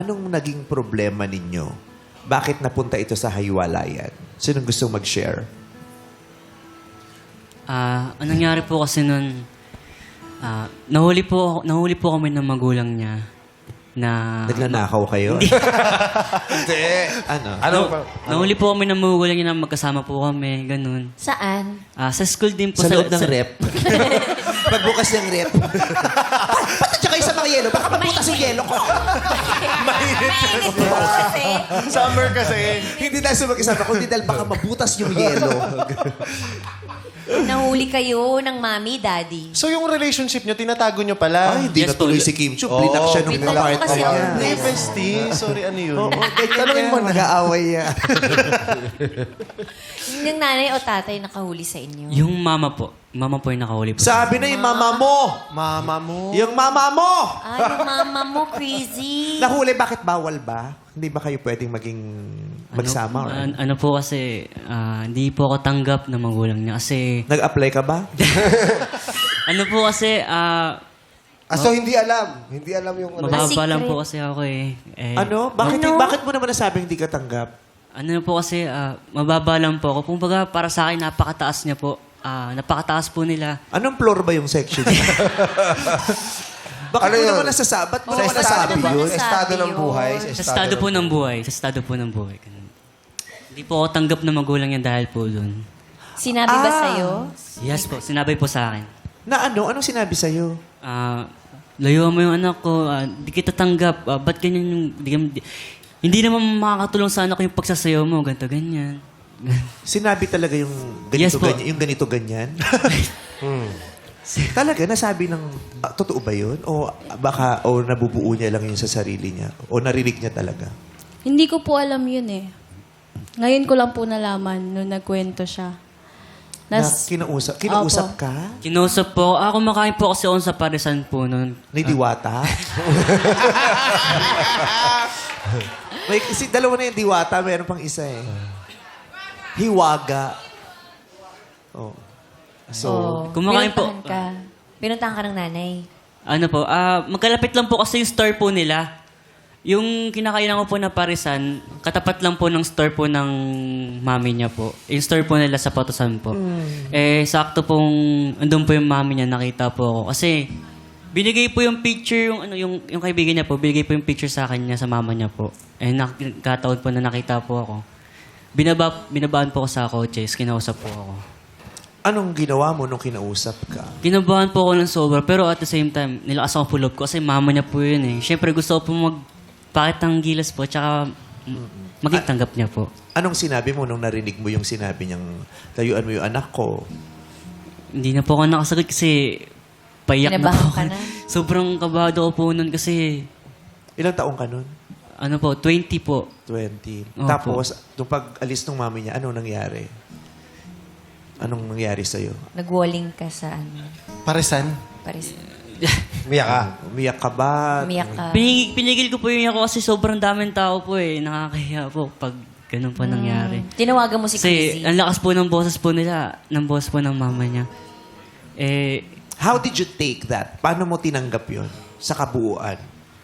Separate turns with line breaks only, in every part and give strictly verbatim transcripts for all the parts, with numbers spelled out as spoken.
Anong naging problema ninyo? Bakit napunta ito sa hiwalayan? Sinong gustong mag-share?
Ah, anong nangyari po kasi nun, ah, nahuli po, nahuli po kami ng magulang niya na...
Nagnanakaw kayo?
Hindi.
Ano?
Ano?
Na- nahuli po kami ng magulang niya na magkasama po kami, ganun.
Saan?
Ah, sa school din po.
Sa loob ng
sa-
rep? Pagbukas ng rep? Ba't at kayo sa mga yelo? Baka mabutas yung yelo ko.
Mainit.
kasi.
Summer kasi.
Hindi dahil sa mag-isama, kundi dahil baka mabutas yung yelo.
Nahuli kayo ng mami, daddy.
So yung relationship nyo, tinatago nyo pala?
Ay, hindi
Yes,
natuloy
po.
si Kim Chu.
Oh.
Blinak siya nung
Blinak
part
ko kasi
niya.
yung
Hey,
best.
bestie. Sorry, ano yun?
Oo, ganyan
Tanungin mo
yan.
na.
Nag-aaway yan.
Yung nanay o tatay nakahuli sa inyo?
Yung mama po. Mama po yung nakahuli po.
Sabi na yung mama mo.
Mama mo.
Yung mama mo.
Ay, yung mama mo, crazy.
Nahuli, bakit bawal ba? Hindi ba kayo pwedeng maging magsama? or-
Ano, ano po kasi, ah, hindi po ako tanggap ng magulang niya kasi...
Nag-apply ka ba?
Ano po kasi, ah,
Ah, so hindi alam. Hindi alam yung ano.
mababa lang
secret.
po kasi ako eh. eh
Ano? Bakit,
Ano?
bakit mo naman nasabing hindi ka tanggap?
Ano na po kasi, ah, mababa lang po ako. Kumbaga, para sa akin, napakataas niya po. Ah, napakataas po nila.
Anong floor ba yung section niya? Bakit
Ano
mo
yun?
naman nasasabi? Ba't mo
Sa
naman
estado
nasabi
ba?
yun?
Sa estado ng
Sabi
buhay.
yun.
Sa estado po ng buhay. Sa estado po ng buhay. Ganun. Hindi po ako tanggap ng magulang niya dahil po doon.
Sinabi ba
Ah.
sa'yo?
Yes po, sinabi po sa akin.
Na ano? Anong sinabi sa'yo?
Ah, layuan mo yung anak ko. Ah, di kita tanggap. Ah, ba't ganyan yung... Di, di- hindi naman makakatulong sa anak ko yung pagsasayaw mo. Ganto, ganyan.
Sinabi talaga yung ganito,
Yes po.
ganyan, yung ganito, ganyan? Talaga, nasabi ng, ah, totoo ba yun? O baka, o nabubuo niya lang yun sa sarili niya? O narinig niya talaga?
Hindi ko po alam yun eh. Ngayon ko lang po nalaman nung nagkwento siya.
Na
Nas,
kinausap, kinausap
Opo.
ka?
Kinausap po. Ako kumakain po kasi ako sa parisan po noon.
Ni Diwata? May, kasi dalawa na yung Diwata, mayroon pang isa eh. Hiwaga. Oh. So,
Oo.
Kumakain po.
Pinuntahan ka. Pinuntahan ka ng nanay.
Ano po, ah, magkalapit lang po kasi yung store po nila. Yung kinakainan ko po na parisan, katapat lang po ng store po ng mami niya po. Yung store po nila sa Patusan po. Eh, sakto pong, andun po yung mami niya, nakita po ako. Kasi, binigay po yung picture, yung, ano, yung, yung kaibigan niya po, binigay po yung picture sa akin niya, sa mama niya po. Eh, nakataon po na nakita po ako. Binaba, binabaan po ako sa kotse, kinausap po ako.
anong ginawa mo nung kinausap ka?
Kinabahan po ako ng sobra, pero at the same time, nilakas ako pull up ko kasi mama niya po yun eh. Siyempre gusto ko po magpakit ng gilas po, tsaka mm, maging tanggap niya po.
Anong sinabi mo nung narinig mo yung sinabi niyang layuan mo yung anak ko?
Hindi na po ako nakasagot kasi payak na
Kinabahan
po
ka
ako.
na?
Sobrang kabado ko po nun kasi,
Ilang taong ka nun?
ano po, twenty po.
twenty.
Opo.
Tapos, nung pag-alis ng mami niya, anong nangyari? Anong nangyari sa'yo?
Nagwalling ka sa ano?
Parisan?
Paris.
Umiyak ka.
Umiyak ka ba?
Umiyak ka.
Pinigil, pinigil ko po yung ako kasi sobrang daming tao po eh. Nakakahiya po pag ganun po nangyari.
Tinawagan mo si
Kasi
Crazy.
ang lakas po ng boses po nila, ng boss po ng mama niya. Eh,
How did you take that? Paano mo tinanggap yon sa kabuuan?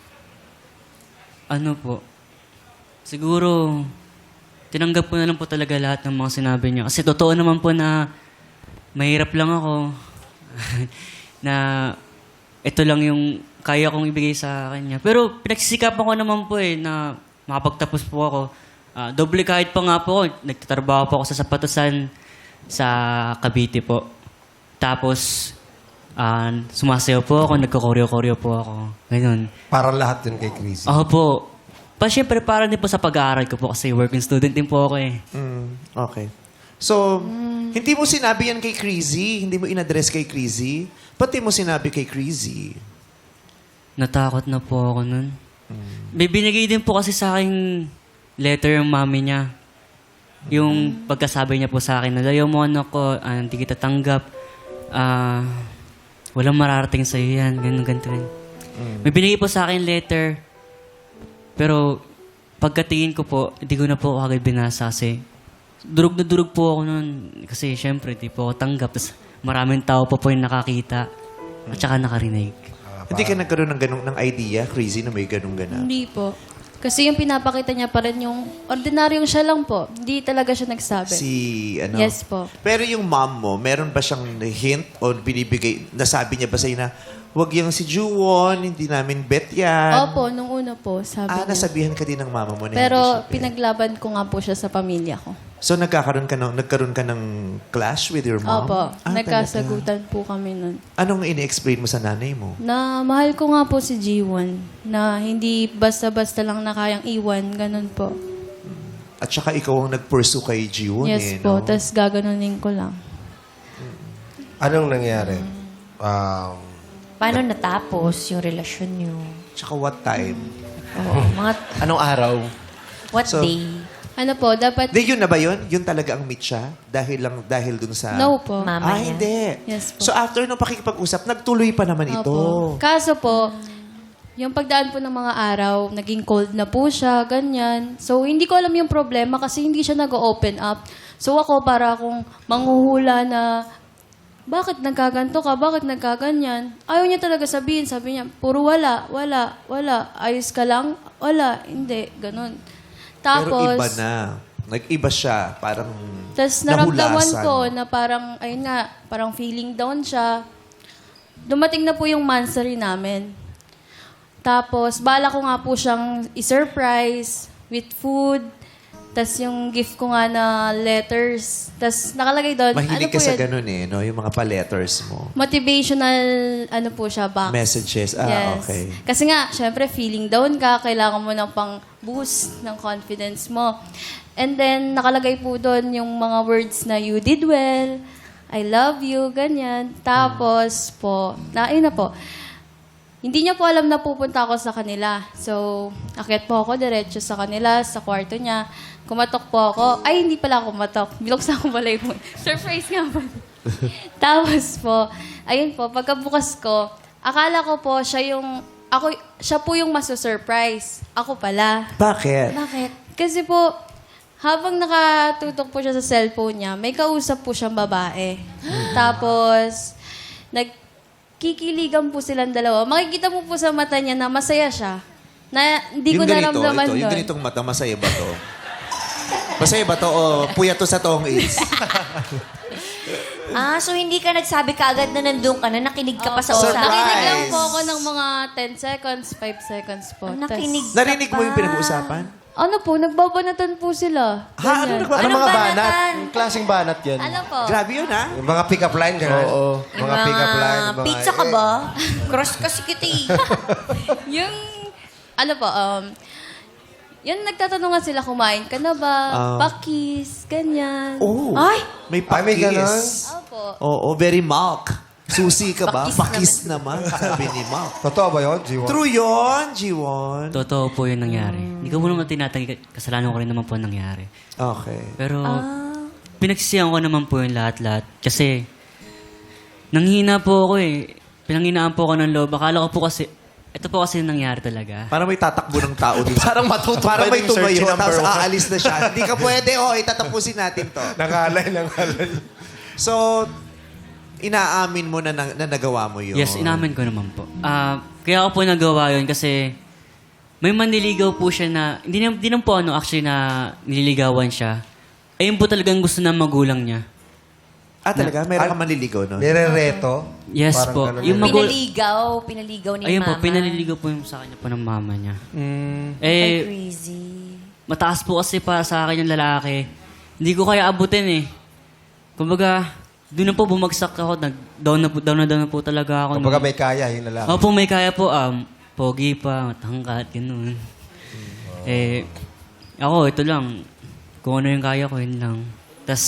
ano po, siguro, tinanggap ko na lang po talaga lahat ng mga sinabi niya. Kasi totoo naman po na mahirap lang ako. na ito lang yung kaya kong ibigay sa kanya. Pero pinagsisikapan ko naman po eh na makapagtapos po ako. Ah, doble kahit pa nga po ako, nagtatrabaho po ako sa Sapatusan sa Cavite po. Tapos, ah, sumasayaw po ako, nagko-koreo-koreo po ako. Ganun.
Para lahat yun kay Crazy.
Ako po. Pa, syempre, para din po sa pag-aaral ko po kasi working student din po ako eh.
Mm, okay. So, hindi mo sinabi yan kay Crazy? Hindi mo in-address kay Crazy? Pati mo sinabi kay Crazy?
Natakot na po ako nun. May binigay din po kasi sa akin letter yung mami niya. Yung pagkasabi niya po sa akin na layo mo anak ko, ah, hindi kita tanggap. Ah, walang mararating sa iyo yan. Ganun, ganito rin. May binigay po sa akin letter. Pero pagkatingin ko po, hindi ko na po agad binasa kasi durog na durog po ako nun. Kasi syempre, di po ako tanggap. Tapos maraming tao pa po yung nakakita at saka nakarinig.
Hindi ka nagkaroon ng ganong ng idea, Crazy, na may ganong gana?
hindi po. Kasi yung pinapakita niya pa rin yung ordinaryong siya lang po. Hindi talaga siya nagsabi.
Si, ano?
Yes po.
Pero yung mom mo, meron ba siyang hint o binibigay, nasabi niya ba sa'yo na, wag yung si Juwon, hindi namin bet yan.
Opo, nung una po, sabi
Ah,
niya.
nasabihan ka din ng mama mo na
Pero
hindi siya bet.
pinaglaban ko nga po siya sa pamilya ko.
So, nagkakaroon ka ng, nagkaroon ka ng clash with your mom?
Opo,
Ah,
nagkasagutan po kami nun.
talaga? Anong ini-explain mo sa nanay mo?
Na mahal ko nga po si G one. Na hindi basta-basta lang na kayang iwan. Ganun po.
At saka ikaw ang nag-pursue kay Jiwon
Yes
eh,
po.
no?
Tapos gaganunin ko lang.
Anong nangyari? Um,
Paano natapos yung relasyon niyo?
Tsaka what time?
Oo, mga
Anong araw?
what
So-
day?
Ano po, dapat...
Di, yun na ba yun? Yun talaga ang meet siya? Dahil lang, dahil dun sa...
No po.
Mama
Ah,
niya.
hindi.
Yes po.
So after nung pakikipag-usap, nagtuloy pa naman ito.
Opo. Kaso po, yung pagdaan po ng mga araw, naging cold na po siya, ganyan. So, hindi ko alam yung problema kasi hindi siya nag-open up. So, ako para akong manghuhula na, bakit nagkaganto ka? Bakit nagkaganyan? Ayaw niya talaga sabihin. Sabi niya, puro wala, wala, wala. Ayos ka lang? Wala, hindi. Ganon. Tapos,
Pero iba na. Nag-iba siya. Parang
Tapos naramdaman
nahulasan.
ko na parang, ayun nga, parang feeling down siya. Dumating na po yung monthsary namin. Tapos, bala ko nga po siyang i-surprise with food. Tapos yung gift ko nga na letters. Tapos nakalagay doon,
Mahilig
ano
ka
po
sa
yun?
ganun eh, no? Yung mga pa-letters mo.
Motivational, ano po siya, box.
Messages. Ah,
Yes.
okay.
Kasi nga, syempre, feeling down ka, kailangan mo ng pang boost ng confidence mo. And then, nakalagay po doon yung mga words na you did well, I love you, ganyan. Tapos po, na, ayun na po, hindi niya po alam na pupunta ako sa kanila. So, akyat po ako diretso sa kanila, sa kwarto niya. Kumatok po ako. Ay, hindi pala ako kumatok. Binuksan ko pala yung surprise nga po. Tapos po, ayun po, pagkabukas ko, akala ko po siya yung, ako, siya po yung maso-surprise. Ako pala.
Bakit?
Bakit?
Kasi po, habang nakatutok po siya sa cellphone niya, may kausap po siyang babae. Tapos, nagkikiligan po silang dalawa. Makikita mo po sa mata niya na masaya siya. Na hindi ko
ganito,
naramdaman
ito, yung
doon.
ganitong mata, masaya ba to? Masaya ba to o puya to sa tong is?
Ah, so hindi ka nagsabi kaagad na nandun ka na, nakinig ka pa sa
Surprise!
usapan.
Nakinig lang po ako ng mga ten seconds, five seconds po.
Ah,
Tas-
nakinig ka
Narinig mo
pa.
yung pinag-uusapan?
Ano po, nagbabanatan po sila.
Ha? Ano
Ganyan.
nagba-
Anong
Anong
mga
banatan?
banat? Yung klaseng banat yan.
Ano po?
Grabe yun, ha?
yung mga pick-up line, gano'n?
Oo.
Mga pick-up line. Mga,
Pizza ka
eh,
ba? Cross kasi kita eh.
Yung, ano po, um, yun nagtatanungan sila, kumain ka na ba?
Ah.
Pakis, ganyan.
Oh.
Ay!
May
Ay, may ganon?
pakis.
Opo.
Oo, very milk. Susi ka ba?
Pakis
Pakis naman, sabi ni Mark.
Totoo ba yun, G one?
True yun, Jiwon.
Totoo po yung nangyari. Hindi ko mo naman tinatanggi, kasalanan ko rin naman po ang nangyari.
Okay.
Pero, pinagsisihan ko naman po yung lahat-lahat. Kasi, nanghina po ako eh. Pinanghinaan po ako ng loob. Akala ko po kasi, ito po kasi yung nangyari talaga.
Parang may tatakbo ng tao dun.
Parang matutupan
Parang may
yung search
tumayo,
number
tapos
one.
aalis na siya. Hindi ka pwede, oh, itatapusin natin to.
Nangalay, nangalay.
So, inaamin mo na, na, na nagawa mo yun.
Yes, inamin ko naman po. Ah, kaya ako po nagawa yun kasi may manliligaw po siya na, hindi na, hindi na po ano, actually na nililigawan siya. Ayun po talagang gusto ng magulang niya.
Ah, talaga? Meron
Al-
ka manliligaw, no?
Nire-reto?
Yes
Parang
po.
ganun
Yung
yun.
magul-
Pinaligaw, pinaligaw ni
Ayun po,
mama.
pinaliligaw po yung sa kanya po ng mama niya.
Ay,
Eh,
crazy.
mataas po kasi para sa akin yung lalaki. Hindi ko kaya abutin eh. Kumbaga, doon na po bumagsak ako. Nag, down, na po, down na down na po talaga ako.
Kumbaga may kaya, yun na lang.
Opo, may kaya po. Um, pogi pa, matangkat, ganun. Eh, ako, ito lang. Kung ano yung kaya ko, yun lang. Tas,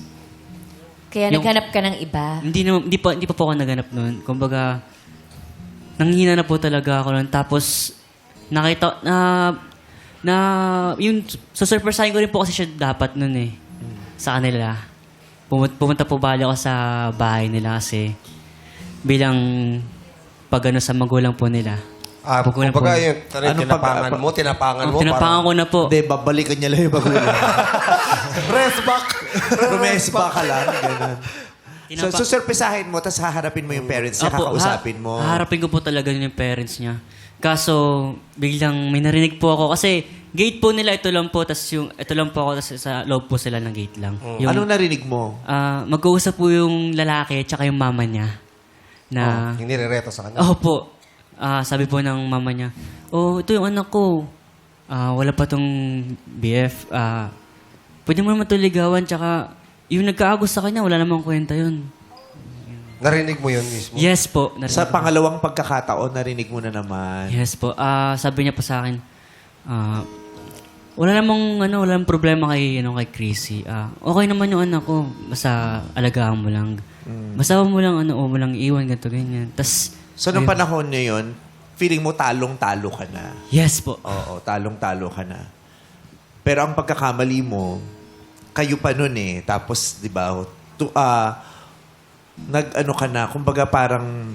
Kaya
Yung-
naghanap ka ng iba.
hindi, na, hindi, pa, hindi pa po ako naganap noon. Kumbaga, nanghina na po talaga ako noon. Tapos, nakita, na, na, yung, susurpresahin ko rin po kasi siya dapat noon eh. Sa kanila. Pumunta, pumunta po bali ako sa bahay nila kasi bilang pag ano sa magulang po nila.
Ah,
Pag-
kumbaga
po-
yun, ano,
Ano
tinapangan
pag-
mo, tinapangan mo.
Oh, tinapangan ko na po.
Hindi, babalikan niya lang yung magulang. Rest back. Rumest back ka lang. Ganun. So,
Tinapa-
susurpresahin mo, tapos haharapin mo yung parents niya,
Opo,
kakausapin
ha-
mo.
Haharapin ko po talaga yung parents niya. Kaso, biglang may narinig po ako. Kasi, gate po nila, ito lang po. Tapos yung, ito lang po ako, tas sa loob po sila ng gate lang. Yung,
Anong narinig mo?
ah, mag-uusap po yung lalaki tsaka yung mama niya. Na,
Yung nirereto sa kanya.
oh po, ah, sabi po ng mama niya, oh, ito yung anak ko. Ah, wala pa tong B F. Ah, pwede mo naman ito ligawan. Tsaka, yung nagkaagos sa kanya, wala namang kwenta yun.
Narinig mo yun mismo?
Yes po. narinig
Sa
ko.
pangalawang pagkakataon, narinig mo na naman.
Yes po. Ah, sabi niya po sa akin, ah, wala namang ano, wala namang problema kay ano kay Chrissy. Ah, okay naman yung anak ko. Basta alagaan mo lang. Basta huwag mo lang ano, huwag mo lang iwan ganito ganyan. Tas
So, nung panahon niya yun, feeling mo talong-talo ka na.
yes po.
Oo, talong-talo ka na. Pero ang pagkakamali mo, kayo pa nun eh. Tapos, di ba, tu- ah, nag-ano ka na, kumbaga parang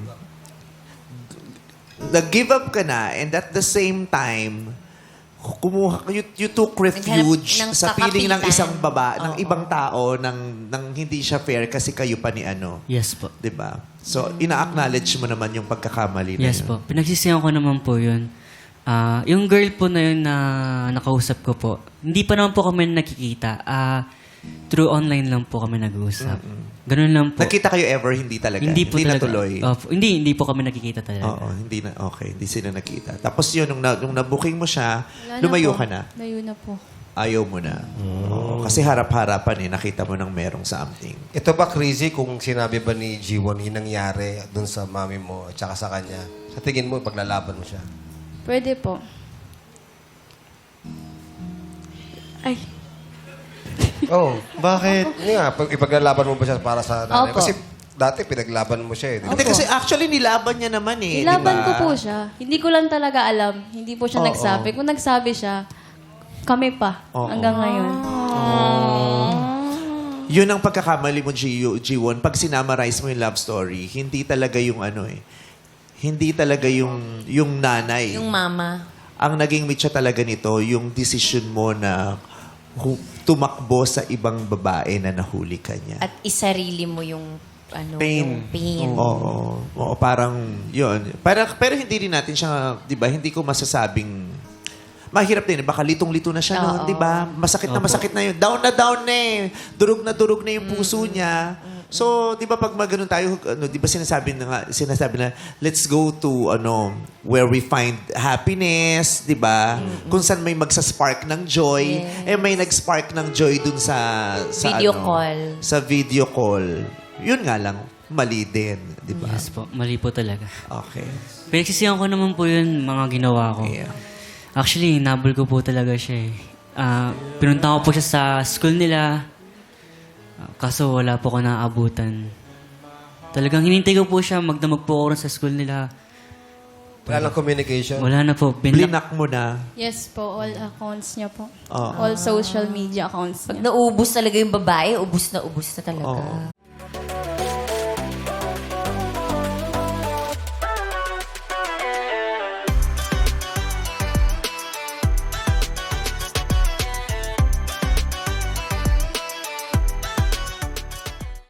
nag-give up ka na and at the same time, kumuha, you, you took refuge
Naghanap ng
sa piling ng
kakapitan.
isang baba, ng
Oo.
ibang tao, ng, ng hindi siya fair kasi kayo pa ni ano.
Yes po.
Di ba? So, ina-acknowledge mo naman yung pagkakamali na
Yes
yun.
po. Pinagsisihan ko naman po yun. Ah, yung girl po na yun na nakausap ko po, hindi pa naman po kami nakikita. Ah, through online lang po kami nag-uusap. Ganun lang po.
Nakita kayo ever, hindi talaga?
Hindi po talaga.
natuloy?
Opo. hindi, hindi po kami nakikita talaga.
Oo, hindi na, okay, hindi sila nakita. Tapos yun, nung, na, nung nabooking mo siya,
Wala na
lumayo
po.
ka na.
Layo na po.
Ayaw mo na. Oo, kasi harap-harapan eh, nakita mo ng merong something.
Ito ba crazy kung sinabi ba ni G one yung nangyari dun sa mami mo at saka sa kanya? Sa tingin mo, paglalaban mo siya?
Pwede po. Ay.
Oh, bakit? Hindi nga, pag ipaglalaban mo ba siya para sa nanay?
Opo.
Kasi dati pinaglaban mo siya eh. di ba?
Hindi, kasi actually nilaban niya naman eh.
Nilaban
di
ko
ba?
po siya. Hindi ko lang talaga alam. Hindi po siya
Oo.
nagsabi. Kung nagsabi siya, kami pa.
Oo.
Hanggang ngayon.
Yun ang pagkakamali mo, G, G1. Pag sinamarize mo yung love story, hindi talaga yung ano eh. Hindi talaga yung, yung nanay.
Yung mama.
Ang naging mitya talaga nito, yung decision mo na hu- tumakbo sa ibang babae na nahuli ka niya.
At isarili mo yung ano,
Pain.
yung pain.
Oo. Oo, parang yun. Para, pero hindi rin natin siya, di ba, hindi ko masasabing, mahirap din, eh. Baka litong-lito na siya noon,
Oo.
di ba? Masakit na masakit na yun. Down na down na eh. Durog na durog na yung puso niya. So, di ba pag maganon tayo, ano, di ba sinasabi na nga, sinasabi na, let's go to, ano, where we find happiness, di ba? Kung saan may magsaspark ng joy. Eh, may nag-spark ng joy dun sa, sa
Video
ano,
call.
Sa video call. Yun nga lang, mali din, di ba?
Yes po. Mali po talaga.
Okay.
Pinagsisihan ko naman po yun, mga ginawa ko.
Yeah.
Actually, nabol ko po talaga siya eh. Ah, pinunta ko po siya sa school nila. Ah, kaso wala po ako naaabutan. Talagang hinintay ko po siya, magdamag po ako rin sa school nila.
Wala lang communication.
Wala na po. Binlock.
Blinak mo na.
Yes po, all accounts niya po.
Oo.
All social media accounts
Pag
niya.
naubos talaga yung babae, ubus na ubus na talaga.
Oo.